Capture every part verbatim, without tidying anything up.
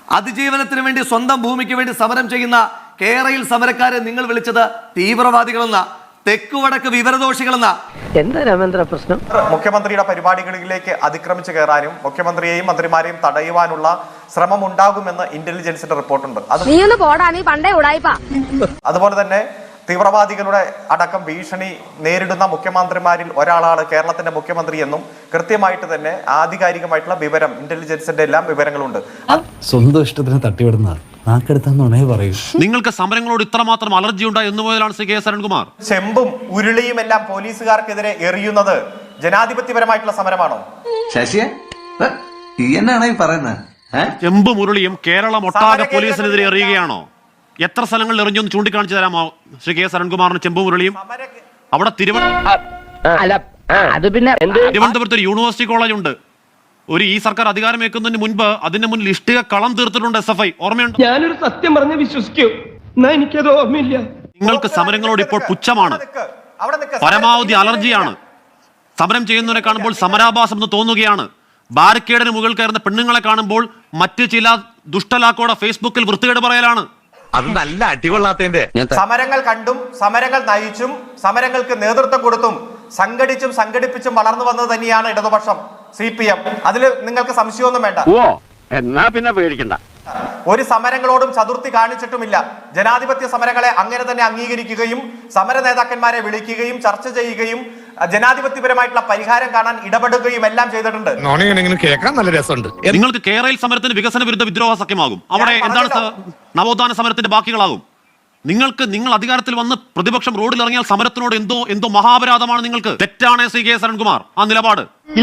അതിജീവനത്തിന് വേണ്ടി സ്വന്തം ഭൂമിക്ക് വേണ്ടി സമരം ചെയ്യുന്ന കേരളയിൽ സമരക്കാരെ നിങ്ങൾ വിളിച്ചത് തീവ്രവാദികളെന്ന, തെക്കുവടക്ക് വിവരദോഷികളെന്ന. എന്താ രാമേന്ദ്ര പ്രശ്നം? മുഖ്യമന്ത്രിയുടെ പരിപാടികളിലേക്ക് അതിക്രമിച്ചു കയറാനും മുഖ്യമന്ത്രിയെയും മന്ത്രിമാരെയും തടയുവാനുള്ള ശ്രമം ഉണ്ടാകുമെന്ന് ഇന്റലിജൻസിന്റെ റിപ്പോർട്ടുണ്ട്. അതുപോലെ തന്നെ തീവ്രവാദികളുടെ അടക്കം ഭീഷണി നേരിടുന്ന മുഖ്യമന്ത്രിമാരിൽ ഒരാളാണ് കേരളത്തിന്റെ മുഖ്യമന്ത്രി എന്നും കൃത്യമായിട്ട് തന്നെ ആധികാരികമായിട്ടുള്ള വിവരം ഇന്റലിജൻസിന്റെ എല്ലാം വിവരങ്ങളുണ്ട്. സ്വന്തം ഇഷ്ടത്തിന് തട്ടിവിടുന്ന നാക്കെടുത്താന്നുണേ പറയൂ. നിങ്ങൾക്ക് സമരങ്ങളോട് ഇത്രമാത്രം അലർജി ഉണ്ടായി എന്ന് മുതലാണ് ശ്രീ കെ എസ് അരുൺകുമാർ ചെമ്പും ഉരുളിയും എല്ലാം പോലീസുകാർക്കെതിരെ എറിയുന്നത് ജനാധിപത്യപരമായിട്ടുള്ള സമരമാണോ? ശശിയെ എന്നാണ് ഈ പറയുന്നത്? ചെമ്പും ഉരുളിയും കേരളം ഒട്ടാകെ പോലീസിനെതിരെ എറിയുകയാണോ? എത്ര സ്ഥലങ്ങളിൽ എറിഞ്ഞു എന്ന് ചൂണ്ടിക്കാണിച്ചു തരാമോ ശ്രീ കെ എസ് അരുൺകുമാറിന്? ചെമ്പും ഉരുളിയും അവിടെ തിരുവനന്തപുരത്ത് ഒരു യൂണിവേഴ്സിറ്റി കോളേജ് ഉണ്ട്. ഒരു ഈ സർക്കാർ അധികാരമേക്കുന്നതിന് മുൻപ് അതിന്റെ മുന്നിൽ ഇഷ്ടിക കളം തീർത്തിട്ടുണ്ട് എസ് എഫ് ഐ. ഓർമ്മയുണ്ട്? ഞാനൊരു സത്യം പറഞ്ഞ് വിശ്വസിക്കൂ, എനിക്കത് ഓർമ്മയില്ല. നിങ്ങൾക്ക് സമരങ്ങളോട് ഇപ്പോൾ പുച്ഛമാണ്, പരമാവധി അലർജിയാണ്. സമരം ചെയ്യുന്നവരെ കാണുമ്പോൾ സമരാഭാസം എന്ന് തോന്നുകയാണ്. ബാരിക്കേഡിന് മുകളിൽ കയറുന്ന പെണ്ണുങ്ങളെ കാണുമ്പോൾ മറ്റ് ചില ദുഷ്ടലാക്കോടെ ഫേസ്ബുക്കിൽ വൃത്തികേട് പറയലാണ്. അത് നല്ല അടികൊള്ളാത്തതിന്റെ. സമരങ്ങൾ കണ്ടും സമരങ്ങൾ നയിച്ചും സമരങ്ങൾക്ക് നേതൃത്വം കൊടുത്തും സംഘടിച്ചും സംഘടിപ്പിച്ചും വളർന്നു വന്നത് തന്നെയാണ് ഇടതുപക്ഷം, സി പി എം. അതിൽ നിങ്ങൾക്ക് സംശയമൊന്നും വേണ്ട. ഓ എന്നാ പിന്നെ പേടിക്കണ്ട. ഒരു സമരങ്ങളോടും ചതുർത്ഥി കാണിച്ചിട്ടുമില്ല. ജനാധിപത്യ സമരങ്ങളെ അങ്ങനെ തന്നെ അംഗീകരിക്കുകയും സമര നേതാക്കന്മാരെ വിളിക്കുകയും ചർച്ച ചെയ്യുകയും ജനാധിപത്യപരമായിട്ടുള്ള പരിഹാരം കാണാൻ ഇടപെടുകയും എല്ലാം ചെയ്തിട്ടുണ്ട്. കേൾക്കാൻ നല്ല രസമുണ്ട്. നിങ്ങൾക്ക് കേരളയിൽ സമരത്തിന് വികസന വിരുദ്ധ വിദ്രോഹ സഖ്യമാകും. അവിടെ എന്താണ് നവോത്ഥാന സമരത്തിന്റെ ബാക്കികളാകും. നിങ്ങൾക്ക് നിങ്ങൾ അധികാരത്തിൽ വന്ന് പ്രതിപക്ഷം റോഡിൽ ഇറങ്ങിയാൽ സമരത്തിനോട് എന്തോ എന്തോ മഹാപരാധമാണ് നിങ്ങൾക്ക്. തെറ്റാണ് ശ്രീ കെ എസ് അരുൺകുമാർ ആ നിലപാട്.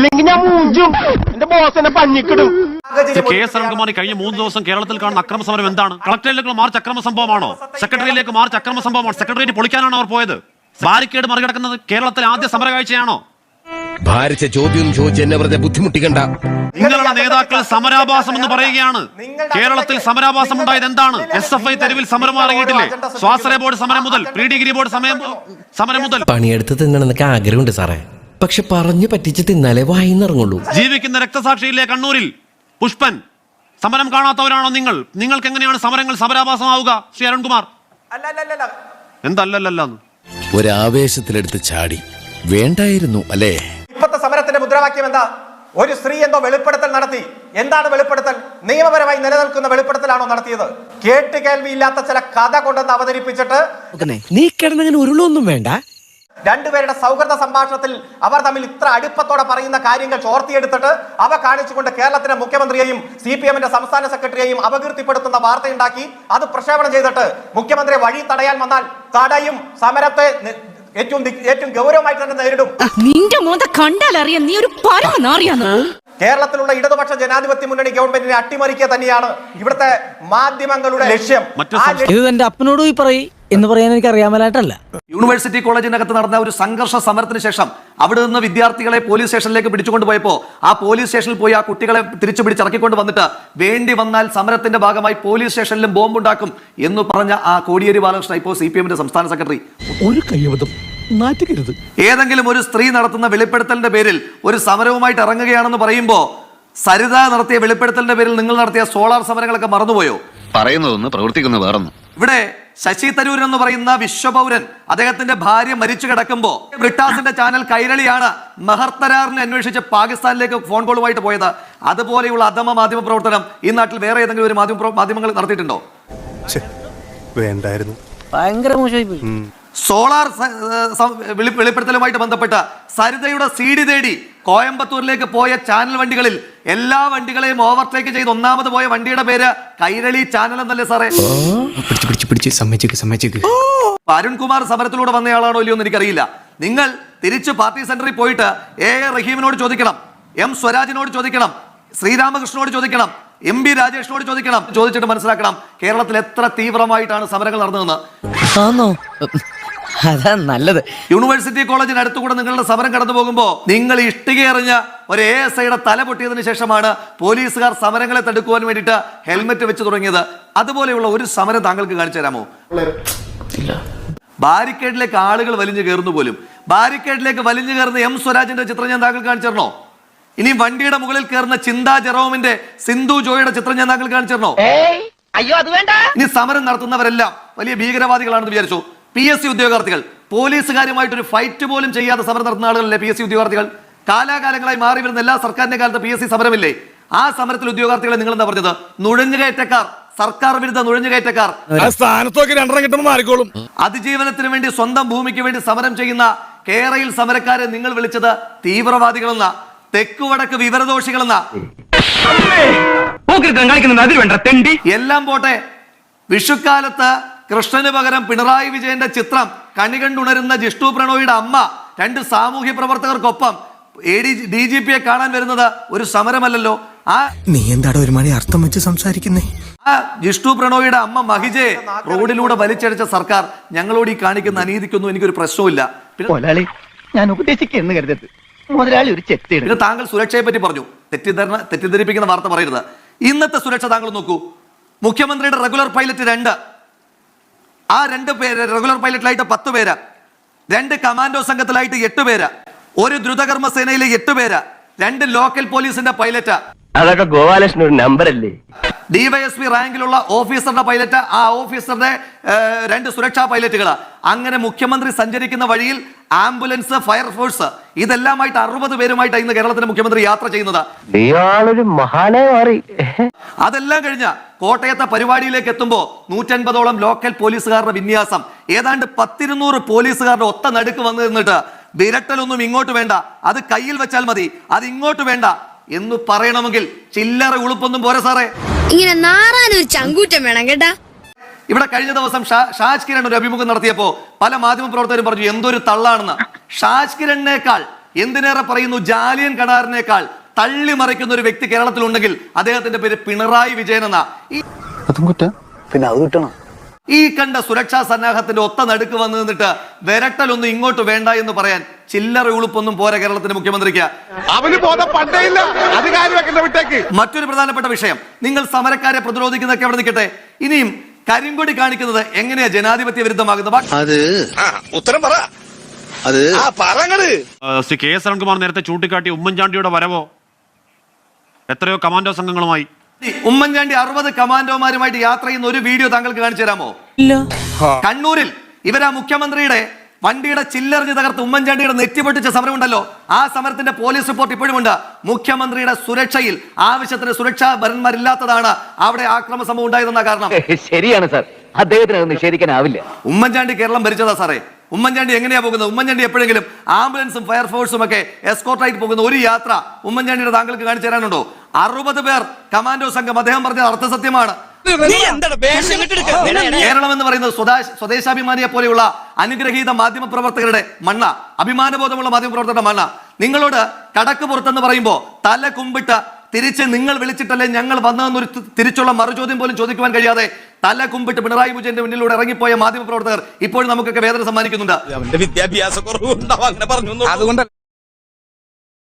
കെ എസ് അരുൺകുമാർ കഴിഞ്ഞ മൂന്ന് ദിവസം കേരളത്തിൽ കാണുന്ന അക്രമ സമരം എന്താണ്? കളക്ടറേറ്റിലേക്ക് മാർച്ച് അക്രമ സംഭവമാണോ? സെക്രട്ടറിയിലേക്ക് മാർച്ച് അക്രമ സംഭവമാണോ? സെക്രട്ടേറിയറ്റ് പൊളിക്കാനാണ് അവർ പോയത്? ബാരിക്കേഡ് മറികടക്കുന്നത് കേരളത്തിലെ ആദ്യ സമര കാഴ്ചയാണോ? ഭാരിച്ച ചോദ്യം ചോദിച്ച് എന്നെ വെറുതെ ബുദ്ധിമുട്ടിക്കണ്ട. നിങ്ങളുടെ നേതാക്കൾ സമരാഭാസം എന്ന് പറയുകയാണ്. കേരളത്തിൽ സമരാഭാസം ഉണ്ടായത് എന്താണ്? എസ് എഫ് ഐ തെരുവിൽ സമരം ഇറങ്ങിയിട്ടില്ലേ? സ്വാശ്രയ ബോർഡ് സമരം മുതൽ പ്രീ ഡിഗ്രി ബോർഡ് സമയം സമരം മുതൽ പണിയെടുത്ത് തിന്നണമെന്നൊക്കെ ആഗ്രഹമുണ്ട് സാറേ, പക്ഷെ പറഞ്ഞു പറ്റിച്ച് തിന്നാലേ വായിന്നിറങ്ങുള്ളൂ. ജീവിക്കുന്ന രക്തസാക്ഷിയിലെ കണ്ണൂരിൽ പുഷ്പൻ സമരം കാണാത്തവരാണോ നിങ്ങൾ? നിങ്ങൾക്ക് എങ്ങനെയാണ് സമരങ്ങൾ സമരാഭാസമാവുക ശ്രീ അരുൺകുമാർ? എന്തല്ലല്ലെന്ന് ഒരാവേശത്തിലെടുത്ത് ചാടി വേണ്ടായിരുന്നു അല്ലേ? ഇപ്പോഴത്തെ സമരത്തിന്റെ മുദ്രാവാക്യം എന്താ? ഒരു സ്ത്രീ എന്തോ വെളിപ്പെടുത്തൽ നടത്തി. എന്താണ് വെളിപ്പെടുത്തൽ? നിയമപരമായി നിലനിൽക്കുന്ന വെളിപ്പെടുത്തലാണോ നടത്തിയത്? കേട്ട് കേൾവിയില്ലാത്ത ചില കഥ കൊണ്ടെന്ന് അവതരിപ്പിച്ചിട്ട് നീ കിടന്നങ്ങനെ ഉരുളൊന്നും വേണ്ട. രണ്ടുപേരുടെ സൗഹൃദ സംഭാഷണത്തിൽ അവർ തമ്മിൽ ഇത്ര അടുപ്പത്തോടെ പറയുന്ന കാര്യങ്ങൾ ചോർത്തിയെടുത്തിട്ട് അവ കാണിച്ചുകൊണ്ട് കേരളത്തിലെ മുഖ്യമന്ത്രിയെയും സി പി എമ്മിന്റെ സംസ്ഥാന സെക്രട്ടറിയെയും അപകീർത്തിപ്പെടുത്തുന്ന വാർത്തയുണ്ടാക്കി അത് പ്രക്ഷേപണം ചെയ്തിട്ട് മുഖ്യമന്ത്രി വഴി തടയാൻ വന്നാൽ തടയും, സമരത്തെ ഏറ്റവും ഏറ്റവും ഗൗരവമായിട്ട് തന്നെ നേരിടും. നിന്റെ മോന്ത കണ്ടാലറിയാം നീ ഒരു പരമനാറിയാന്ന്. കേരളത്തിലുള്ള ഇടതുപക്ഷ ജനാധിപത്യ മുന്നണി ഗവൺമെന്റിനെ അട്ടിമറിക്കുക തന്നെയാണ് ഇവിടുത്തെ മാധ്യമങ്ങളുടെ ലക്ഷ്യം. ഇത് എന്റെ അപ്പനോട് പോയി പറയും എന്ന് പറയാൻ എനിക്ക് അറിയാമലായിട്ടല്ല. യൂണിവേഴ്സിറ്റി കോളേജിനകത്ത് നടന്ന ഒരു സംഘർഷ സമരത്തിന് ശേഷം അവിടെ നിന്ന് വിദ്യാർത്ഥികളെ പോലീസ് സ്റ്റേഷനിലേക്ക് പിടിച്ചുകൊണ്ട് പോയപ്പോ ആ പോലീസ് സ്റ്റേഷനിൽ പോയി ആ കുട്ടികളെ തിരിച്ചു പിടിച്ചിറക്കിക്കൊണ്ട് വന്നിട്ട് വേണ്ടി വന്നാൽ സമരത്തിന്റെ ഭാഗമായി പോലീസ് സ്റ്റേഷനിലും ബോംബുണ്ടാക്കും എന്ന് പറഞ്ഞ ആ കോടിയേരി ബാലകൃഷ്ണൻ ഇപ്പോൾ സി പി എമ്മിന്റെ സംസ്ഥാന സെക്രട്ടറി. ഒരു കയ്യബദ്ധം നാറ്റുകരുത്. ഏതെങ്കിലും ഒരു സ്ത്രീ നടത്തുന്ന വെളിപ്പെടുത്തലിന്റെ പേരിൽ ഒരു സമരവുമായിട്ട് ഇറങ്ങുകയാണെന്ന് പറയുമ്പോ സരിത നടത്തിയ വെളിപ്പെടുത്തലിന്റെ പേരിൽ നിങ്ങൾ നടത്തിയ സോളാർ സമരങ്ങളൊക്കെ മറന്നുപോയോ? പറയുന്നതൊന്ന് പ്രവർത്തിക്കുന്ന വേറൊന്നും. ഇവിടെ ശശി തരൂർ എന്ന് പറയുന്ന വിശ്വപൗരൻ അദ്ദേഹത്തിന്റെ ഭാര്യ മരിച്ചു കിടക്കുമ്പോ ബ്രിട്ടാസിന്റെ ചാനൽ കൈരളിയാണ് മെഹർത്തരാറിനെ അന്വേഷിച്ച് പാകിസ്ഥാനിലേക്ക് ഫോൺ കോളുമായിട്ട് പോയത്. അതുപോലെയുള്ള അധമ മാധ്യമ പ്രവർത്തനം ഈ നാട്ടിൽ വേറെ ഏതെങ്കിലും ഒരു മാധ്യമ മാധ്യമങ്ങൾ നടത്തിയിട്ടുണ്ടോ? വേണ്ടായിരുന്നു. ഭയങ്കര മോശമായി പോയി. സോളാർ വെളിപ്പെടുത്തലുമായിട്ട് ബന്ധപ്പെട്ട് സരിതയുടെ സി ഡി തേടി കോയമ്പത്തൂരിലേക്ക് പോയ ചാനൽ വണ്ടികളിൽ എല്ലാ വണ്ടികളെയും ഓവർടേക്ക് ചെയ്ത് ഒന്നാമത് പോയ വണ്ടിയുടെ പേര് കൈരളി ചാനൽ എന്നല്ലേ സാറേ? അരുൺകുമാർ സമരത്തിലൂടെ വന്നയാളാണോ ഇല്ലയോ എന്ന് എനിക്കറിയില്ല. നിങ്ങൾ തിരിച്ച് പാർട്ടി സെന്ററിൽ പോയിട്ട് എ എ റഹീമിനോട് ചോദിക്കണം, എം സ്വരാജിനോട് ചോദിക്കണം, ശ്രീരാമകൃഷ്ണനോട് ചോദിക്കണം, എം ബി രാജേഷിനോട് ചോദിക്കണം. ചോദിച്ചിട്ട് മനസ്സിലാക്കണം കേരളത്തിൽ എത്ര തീവ്രമായിട്ടാണ് സമരങ്ങൾ നടന്നതെന്ന്. അതാ നല്ലത്. യൂണിവേഴ്സിറ്റി കോളേജിന് അടുത്തുകൂടെ നിങ്ങളുടെ സമരം കടന്നു പോകുമ്പോൾ നിങ്ങൾ ഇഷ്ടിക എറിഞ്ഞ ഒരു എ എസ് ഐയുടെ തല പൊട്ടിയതിനു ശേഷമാണ് പോലീസുകാർ സമരങ്ങളെ തടുക്കുവാൻ വേണ്ടിയിട്ട് ഹെൽമെറ്റ് വെച്ച് തുടങ്ങിയത്. അതുപോലെയുള്ള ഒരു സമരം താങ്കൾക്ക് കാണിച്ചു തരാമോ? ബാരിക്കേഡിലേക്ക് ആളുകൾ വലിഞ്ഞു കയറുന്നു പോലും. ബാരിക്കേഡിലേക്ക് വലിഞ്ഞു കയറുന്ന എം സ്വരാജിന്റെ ചിത്രം ഞാൻ താങ്കൾക്ക് കാണിച്ചു തരണോ? ഇനി വണ്ടിയുടെ മുകളിൽ കയറുന്ന ചിന്താ ജെറോമിന്റെ സിന്ധു ജോയുടെ ചിത്രം ഞാൻ താങ്കൾ കാണിച്ചിരുന്നോ? അയ്യോ അത് വേണ്ട. ഇനി സമരം നടത്തുന്നവരെല്ലാം വലിയ ഭീകരവാദികളാണെന്ന് വിചാരിച്ചു. പി എസ് സി ഉദ്യോഗാർത്ഥികൾ പോലീസുകാരുമായിട്ട് ഒരു ഫൈറ്റ് പോലും ചെയ്യാതെ സമരം നടത്തുന്ന ആളുകളല്ലേ പി എസ് സി ഉദ്യോഗാർത്ഥികൾ? കാലാകാലങ്ങളായി മാറി വരുന്ന എല്ലാ സർക്കാരിന്റെ കാലത്ത് പി എസ് സി സമരമില്ലേ? ആ സമരത്തിൽ ഉദ്യോഗാർത്ഥികളെ നിങ്ങൾ എന്താ പറഞ്ഞത്? നുഴഞ്ഞുകയറ്റക്കാർ, സർക്കാർ വിരുദ്ധ നുഴഞ്ഞുകയറ്റക്കാർ. സ്ഥാനത്തൊക്കെ രണ്ടെണ്ണം കിട്ടുമ്പോൾ മാറിക്കോളും. അതിജീവനത്തിന് വേണ്ടി സ്വന്തം ഭൂമിക്ക് വേണ്ടി സമരം ചെയ്യുന്ന കേരളയിൽ സമരക്കാരെ നിങ്ങൾ വിളിച്ചത് തീവ്രവാദികളെന്ന, തെക്കുവടക്ക് വിവരദോഷികളെന്ന. എല്ലാം പോട്ടെ, വിഷുക്കാലത്ത് കൃഷ്ണന് പകരം പിണറായി വിജയന്റെ ചിത്രം കണി കണ്ടുണരുന്ന ജിഷ്ണു പ്രണോയിയുടെ അമ്മ രണ്ട് സാമൂഹ്യ പ്രവർത്തകർക്കൊപ്പം എ ഡി ഡി ജി പിയെ കാണാൻ വരുന്നത് ഒരു സമരമല്ലല്ലോ. ആ നീ എന്താടോ ഒരു മണി അർത്ഥം വെച്ച് സംസാരിക്കുന്നേ? ആ ജിഷ്ണു പ്രണോയിയുടെ അമ്മ മഹിജയെ റോഡിലൂടെ വലിച്ചടിച്ച സർക്കാർ ഞങ്ങളോട് ഈ കാണിക്കുന്ന അനീതിക്കൊന്നും എനിക്കൊരു പ്രശ്നവുമില്ല. മുതലാളി ഞാൻ ഉപദേശിക്കുന്നു കരുതരുത്. മുതലാളി ഒരു ചെത്തി. പിന്നെ താങ്കൾ സുരക്ഷയെ പറ്റി പറഞ്ഞു. തെറ്റിദ്ധരണ തെറ്റിദ്ധരിപ്പിക്കുന്ന വാർത്ത പറയരുത്. ഇന്നത്തെ സുരക്ഷ താങ്കൾ നോക്കൂ. മുഖ്യമന്ത്രിയുടെ റെഗുലർ പൈലറ്റ് രണ്ട്, ആ രണ്ട് പേര് റെഗുലർ പൈലറ്റിലായിട്ട് പത്ത് പേര്, രണ്ട് കമാൻഡോ സംഘത്തിലായിട്ട് എട്ട് പേര്, ഒരു ദ്രുതകർമ്മ സേനയിലെ എട്ട് പേര്, രണ്ട് ലോക്കൽ പോലീസിന്റെ പൈലറ്റ്. അതൊക്കെ ഗോപാലകൃഷ്ണൻ ഒരു നമ്പർ അല്ലേ? ഡിവൈഎസ്പി റാങ്കിലുള്ള ഓഫീസറുടെ പൈലറ്റ്, ആ ഓഫീസറുടെ രണ്ട് സുരക്ഷാ പൈലറ്റുകൾ. അങ്ങനെ മുഖ്യമന്ത്രി സഞ്ചരിക്കുന്ന വഴിയിൽ ആംബുലൻസ്, ഫയർഫോഴ്സ്, ഇതെല്ലാമായിട്ട് അറുപത് പേരുമായിട്ട് ഇന്ന് കേരളത്തിന്റെ മുഖ്യമന്ത്രി യാത്ര ചെയ്യുന്നത്. അതെല്ലാം കഴിഞ്ഞ കോട്ടയത്തെ പരിപാടിയിലേക്ക് എത്തുമ്പോൾ നൂറ്റൻപതോളം ലോക്കൽ പോലീസുകാരുടെ വിന്യാസം, ഏതാണ്ട് പത്തിരുന്നൂറ് പോലീസുകാരുടെ ഒത്ത നടുക്ക് വന്നു നിന്നിട്ട് വിരട്ടലൊന്നും ഇങ്ങോട്ട് വേണ്ട, അത് കയ്യിൽ വെച്ചാൽ മതി, അത് ഇങ്ങോട്ട് വേണ്ട എന്ന് പറയണമെങ്കിൽ ചില്ലറ ഉളുപ്പൊന്നും പോരെ സാറേ. ഇങ്ങനെ നാറാനൊരു ചങ്കൂറ്റം വേണം കേട്ടാ. ഇവിടെ കഴിഞ്ഞ ദിവസം ഷാജ് കിരൺ ഒരു അഭിമുഖം നടത്തിയപ്പോ പല മാധ്യമ പ്രവർത്തകരും പറഞ്ഞു എന്തൊരു തള്ളാണെന്ന്. ഷാജ് കിരണിനേക്കാൾ, എന്തിനേറെ പറയുന്നു ജാലിയൻ കടാറിനേക്കാൾ തള്ളി മറിക്കുന്ന ഒരു വ്യക്തി കേരളത്തിലുണ്ടെങ്കിൽ അദ്ദേഹത്തിന്റെ പേര് പിണറായി വിജയൻ എന്ന. പിന്നെ അത് കിട്ടണം. ഈ കണ്ട സുരക്ഷാ സന്നാഹത്തിന്റെ ഒത്ത നടുക്ക് വന്നു നിന്നിട്ട് വിരട്ടലൊന്നും ഇങ്ങോട്ട് വേണ്ട എന്ന് പറയാൻ ചില്ലറ ഉളുപ്പൊന്നും പോരാ കേരളത്തിന്റെ മുഖ്യമന്ത്രിക്ക്. മറ്റൊരു പ്രധാനപ്പെട്ട വിഷയം, നിങ്ങൾ സമരക്കാരെ പ്രതിരോധിക്കുന്നതൊക്കെ അവിടെ നിൽക്കട്ടെ, ഇനിയും കരിങ്കൊടി കാണിക്കുന്നത് എങ്ങനെയാ ജനാധിപത്യ വിരുദ്ധമാകുന്നത്? അത് ഉത്തരം പറ. അത് ശ്രീ കെ എസ് അരുൺകുമാർ നേരത്തെ ചൂണ്ടിക്കാട്ടി ഉമ്മൻചാണ്ടിയുടെ വരവോ എത്രയോ കമാൻഡോ സംഘങ്ങളുമായി. ഉമ്മൻചാണ്ടി അറുപത് കമാൻഡോമാരുമായിട്ട് യാത്ര ചെയ്യുന്ന ഒരു വീഡിയോ താങ്കൾക്ക് കാണിച്ചു തരാമോ? കണ്ണൂരിൽ ഇവരാ മുഖ്യമന്ത്രിയുടെ വണ്ടിയുടെ ചില്ലെറിഞ്ഞ് തകർത്ത് ഉമ്മൻചാണ്ടിയുടെ നെറ്റി പൊട്ടിച്ച സമരമുണ്ടല്ലോ, ആ സമരത്തിന്റെ പോലീസ് റിപ്പോർട്ട് ഇപ്പോഴുമുണ്ട്. മുഖ്യമന്ത്രിയുടെ സുരക്ഷയിൽ ആവശ്യത്തിന് സുരക്ഷാ ഭരന്മാരില്ലാത്തതാണ് അവിടെ ആക്രമണ സംഭവം ഉണ്ടായതെന്ന കാരണം. ശരിയാണ് സാർ, അദ്ദേഹത്തിന് അത് നിഷേധിക്കാനാവില്ല. ഉമ്മൻചാണ്ടി കേരളം ഭരിച്ചതാ സാറേ. ഉമ്മൻചാണ്ടി എങ്ങനെയാ പോകുന്നത്? ഉമ്മൻചാണ്ടി എപ്പോഴെങ്കിലും ആംബുലൻസും ഫയർഫോഴ്സും ഒക്കെ എസ്കോർട്ടായിട്ട് പോകുന്ന ഒരു യാത്ര ഉമ്മൻചാണ്ടിയുടെ താങ്കൾക്ക് കാണിച്ചു തരാനുണ്ടോ? അറുപത് പേർ കമാൻഡോ സംഘം, അദ്ദേഹം പറഞ്ഞത് അർത്ഥസത്യമാണ്. കേരളം എന്ന് പറയുന്നത് സ്വദേശാഭിമാനിയെ പോലെയുള്ള അനുഗ്രഹീത മാധ്യമ പ്രവർത്തകരുടെ മണ്ണ, അഭിമാനബോധമുള്ള മാധ്യമ പ്രവർത്തകരുടെ മണ്ണ. നിങ്ങളോട് കടക്ക് പുറത്തെന്ന് പറയുമ്പോൾ തല കുമ്പിട്ട് തിരിച്ച് നിങ്ങൾ വിളിച്ചിട്ടല്ലേ ഞങ്ങൾ വന്നതെന്നൊരു തിരിച്ചുള്ള മറുചോദ്യം പോലും ചോദിക്കുവാൻ കഴിയാതെ തല കുമ്പിട്ട് പിണറായി വിജയന്റെ മുന്നിലൂടെ ഇറങ്ങിപ്പോയ മാധ്യമ പ്രവർത്തകർ ഇപ്പോഴും നമുക്കൊക്കെ വേദന സമ്മാനിക്കുന്നുണ്ട്. വിദ്യാഭ്യാസ കുറവുണ്ടാവും അങ്ങനെ പറഞ്ഞു. അതുകൊണ്ട്